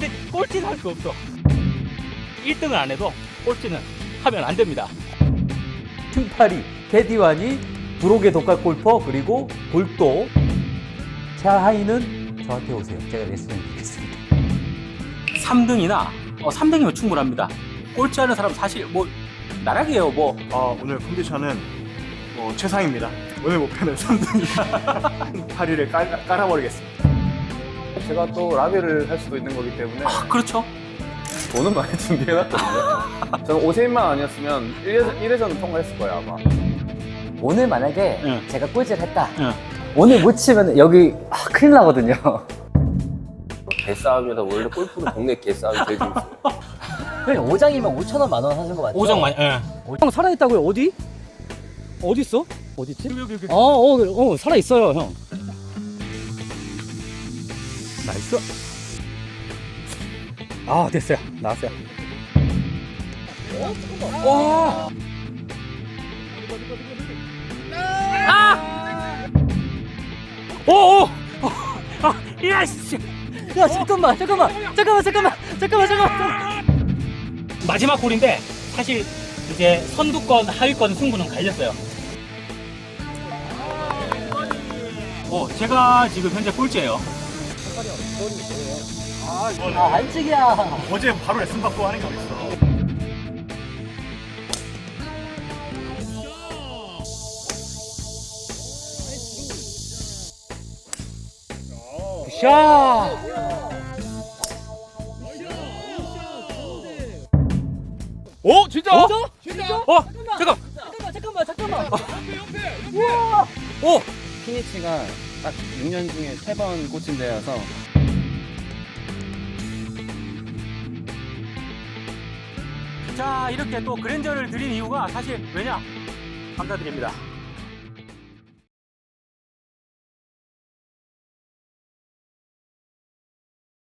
근데 꼴찌는 할 수 없어. 1등을 안 해도 꼴찌는 하면 안 됩니다. 팀파리, 캐디완이, 브록의 독학 골퍼, 그리고 골도. 샤하이는 저한테 오세요. 제가 레슨 드리겠습니다. 3등이나 3등이면 충분합니다. 꼴찌하는 사람 사실 뭐 나락이에요. 뭐 오늘 컨디션은 뭐 최상입니다. 오늘 목표는 3등이다. 파리를 깔아버리겠습니다. 제가 또 라비를 할 수도 있는 거기 때문에 그렇죠. 돈은 많이 준비해놨거든요. 저는 오세인만 아니었으면 1회전은 통과했을 거예요, 아마. 오늘 만약에 응. 제가 꼴찌를 했다. 응. 오늘 못 치면 여기 큰일 나거든요. 개싸움이다. 원래 골프는 동네 개싸움이 제일 재밌어요. 형님 5장이면 5,000원, 10,000원 하신 거 맞죠? 5장 많이. 형 살아있다고요? 어디? 어디 있어? 어디 있지? 여기. 살아있어요, 형. 나이스. 됐어요. 나왔어요. 와! 오! 야 씨. 야, 잠깐만. 마지막 홀인데 사실 이제 선두권, 하위권 승부는 갈렸어요. 제가 지금 현재 꼴찌예요. 안찍이야. 어제 바로 레슨 받고 하는 게 어딨어. 샤! 진짜? 잠깐. 우와! 피니치가 딱 6년 중에 3번 꽂힌 데여서 자, 이렇게 또 그랜저를 드린 이유가 사실 왜냐? 감사드립니다.